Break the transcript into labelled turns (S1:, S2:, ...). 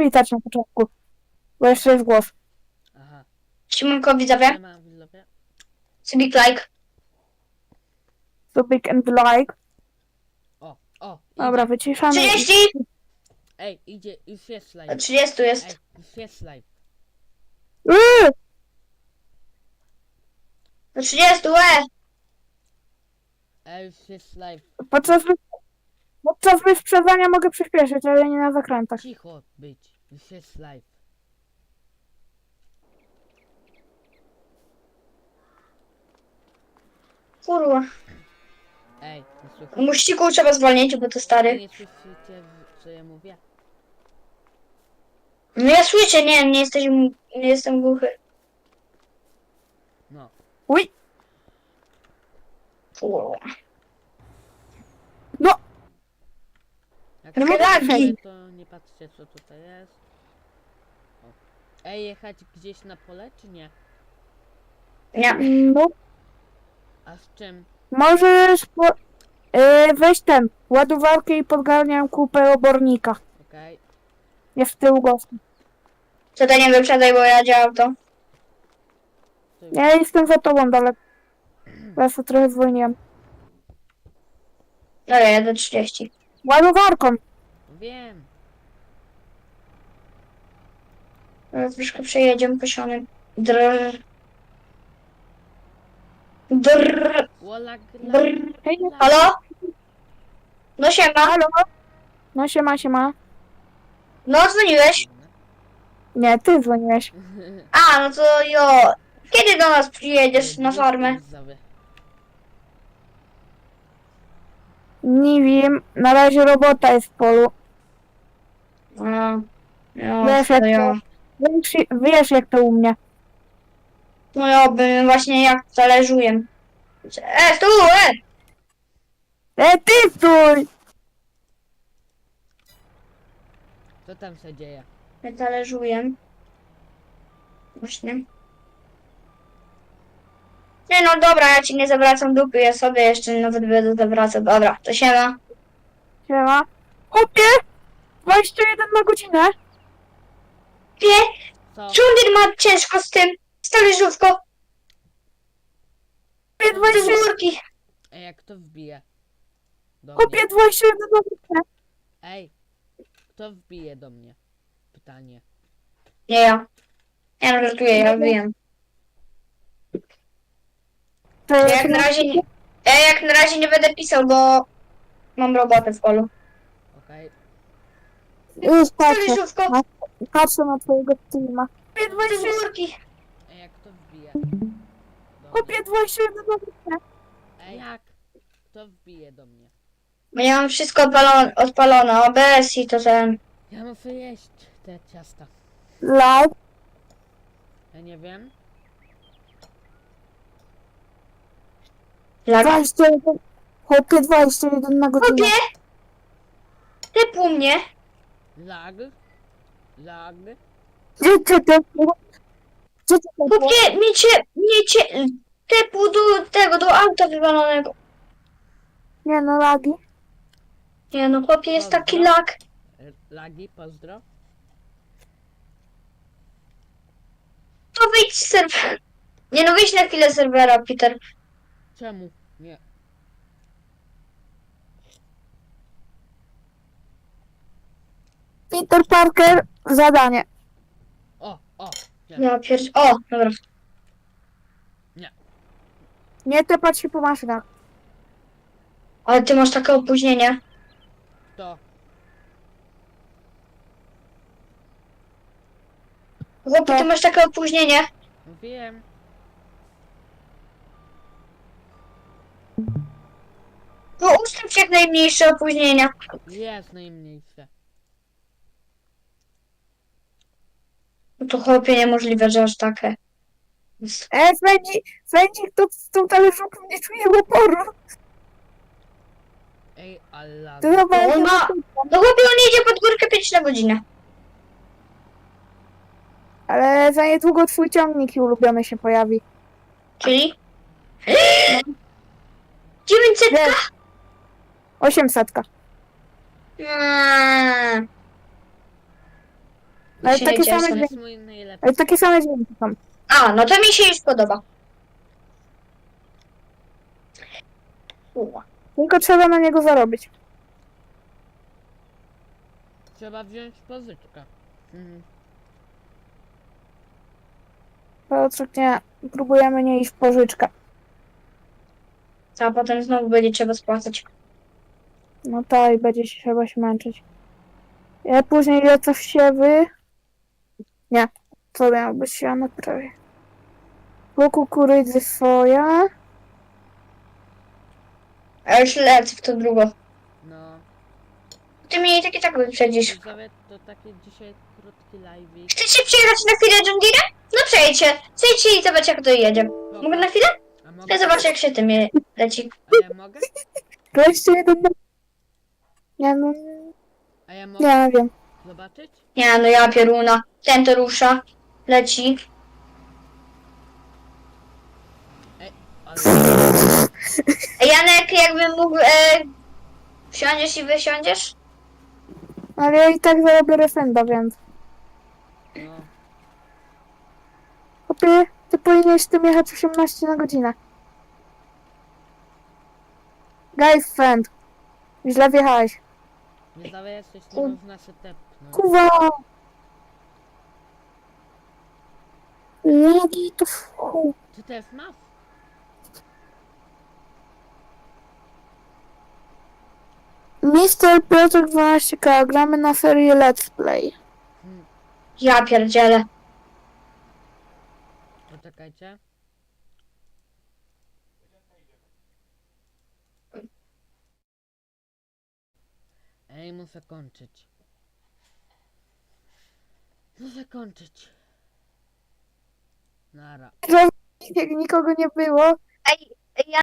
S1: przywitać na początku, bo jeszcze jest głos.
S2: Aha.
S3: Siemanko widzowie,
S2: Siema, widzowie.
S3: subik like.
S1: Subik and like.
S2: O,
S1: Dobra,
S2: idzie.
S1: wyciszamy.
S3: 30!
S2: Ej, idzie, już jest live.
S3: 30
S2: Ej,
S3: jest.
S2: już jest live.
S1: Yy!
S3: Do 30,
S2: Ej, już jest live.
S1: Podczas wyprzedzania mogę przyspieszyć, ale nie na zakrętach.
S2: Cicho być, już jest live.
S3: Kurwa.
S2: Ej, nie słyszycie?
S3: Muściku trzeba zwolnić, bo to stary.
S2: Nie słyszycie, co ja mówię?
S3: No ja słyszę, nie jestem głuchy.
S2: No.
S1: Uj!
S3: Kurwa.
S1: No!
S2: Jak
S1: No
S2: nie
S3: lagi.
S2: słyszycie, to nie patrzcie, co tutaj jest. O. Ej, jechać gdzieś na pole, czy nie?
S3: Nie.
S1: No,
S2: A z czym?
S1: możesz weź ładowarkę i podgarniam kupę obornika.
S2: Okej.
S1: Jest w tyłu gostu.
S3: Tutaj nie wyprzedaj, bo ja działam to.
S2: To
S1: Ja jestem za tobą daleko. Ja sobie trochę zwolniłem.
S3: Dobra, jadę 30.
S1: Ładowarką.
S2: Wiem.
S3: Teraz troszkę przejedziemy posionym. Drrr. Drrr.
S2: Łolag,
S3: Brr.
S1: Hej,
S3: Halo? No siema.
S1: halo? No siema.
S3: No dzwoniłeś?
S1: Nie, ty dzwoniłeś.
S3: A, no to jo. Kiedy do nas przyjedziesz na farmę?
S2: Widzowie.
S1: Nie wiem, na razie robota jest w polu.
S3: No. Jo,
S1: Wiesz jak
S3: to jo.
S1: wiesz jak to u mnie.
S3: No ja bym właśnie jak talerzuję. Stój!
S1: Ty stój!
S2: Co tam się dzieje?
S3: Ja talerzuję. Właśnie. Nie no dobra, ja ci nie zawracam dupy, ja sobie jeszcze nawet będę zawracał. Dobra, to siema.
S1: Siema. Chłopie! 21 na godzinę.
S3: Wie,
S2: Co?
S3: Czundir ma ciężko z tym, z talerzówką.
S1: Chłopie
S3: Z
S1: 21,
S3: górki.
S2: Ej, jak to wbije? Do mnie.
S1: chłopie 21 na godzinę.
S2: Ej, kto wbije do mnie? Pytanie.
S3: Nie ja. Ja no żartuję, ja wiem.
S1: To
S3: Ja jak na razie nie będę pisał, bo mam robotę w polu.
S2: Okej.
S1: Już
S3: Z
S1: patrzę.
S3: talerzówką.
S1: Patrzę na twojego teama.
S3: Z górki.
S2: Ej, jak to wbije? Do mnie.
S1: Chłopie 21 na godzinę.
S2: Ej, jak? Kto wbije do mnie?
S3: Bo ja mam wszystko odpalone, OBS i to ten.
S2: Ja muszę jeść te ciasta.
S1: Live.
S2: Ja nie wiem.
S3: Lag.
S1: 21. Chłopie 21 na godzinę.
S3: Chłopie! Typu mnie.
S2: Lag. Lag.
S1: Gdzie ty było? Gdzie ty było?
S3: Chłopie, miecie typu do auta wywalonego.
S1: Nie no, lagi.
S3: Nie no, chłopie, jest taki
S2: Dobra.
S3: lag.
S2: Lagi, pozdro.
S3: To wyjdź z serwera. Nie no, wyjdź na chwilę z serwera, Peter.
S2: Czemu? Nie.
S1: Peter Parker, zadanie.
S2: O. Nie.
S3: Ja O, dobra.
S1: Nie tepać się po maszynach.
S3: Ale ty masz takie opóźnienie.
S2: To.
S3: Chłopie, ty masz takie opóźnienie.
S2: Wiem.
S3: No ustaw się jak najmniejsze opóźnienia.
S2: Jest najmniejsze.
S3: No to chłopie, niemożliwe, że aż takie.
S1: Sędzi, kto z tą talerzówką nie czuje oporu.
S2: Ej, ale lag.
S1: To chyba
S3: On ma... No chłopie, on jedzie pod górkę 5 na godzinę.
S1: Ale za niedługo twój ciągnik i ulubiony się pojawi.
S3: Czyli? 900?
S1: Wiesz, 800. Ale
S3: się
S1: takie
S3: nie
S1: same
S3: cieszę.
S2: To
S1: dźwięki.
S2: jest mój najlepszy.
S1: Ale takie same dźwięki są.
S3: A, no to mi się już podoba.
S1: Tylko trzeba na niego zarobić.
S2: Trzeba wziąć pożyczkę. Mhm.
S1: Piotrek, nie. Próbujemy nie iść w pożyczkę.
S3: A potem znowu będzie trzeba spłacać.
S1: No tak, i będzie się trzeba się męczyć. Ja później lecę w siewy. Nie. Co miało być siane prawie. Po kukurydzy soja.
S3: A już lecę w to drugo.
S2: No.
S3: Ty mnie i tak wyprzedzisz.
S2: Widzowie, to taki dzisiaj krótki live'ik.
S3: Chcecie przyjechać na chwilę John Deere? No przejdźcie. Przejdźcie i zobaczcie jak to jedzie. Mogę na chwilę?
S2: A
S3: Ja
S2: mogę?
S3: zobaczę jak się tym leci.
S2: A ja mogę?
S1: To jeszcze jeden. Nie, no.
S2: A ja mogę
S1: Nie wiem.
S2: zobaczyć?
S3: Nie no ja pieruna. Ten to rusza. Leci.
S2: Ale...
S3: Janek jakbym mógł... wsiądziesz i wysiądziesz?
S1: Ale ja i tak zarobię refenda, więc.
S2: No.
S1: Chłopie, ty powinieneś tym jechać 18 na godzinę. Guys, friend. Źle wjechałeś.
S2: Widzowie, jesteś, nie można się tepnąć.
S1: Kuwa! Lagi to w chuj.
S2: Ty też masz?
S1: Mister Piotr 12K, gramy na serię Let's Play.
S3: Ja pierdzielę.
S2: Poczekajcie. Ej, muszę kończyć. Muszę kończyć. Nara.
S1: Nikogo nie było.
S3: Ej, ja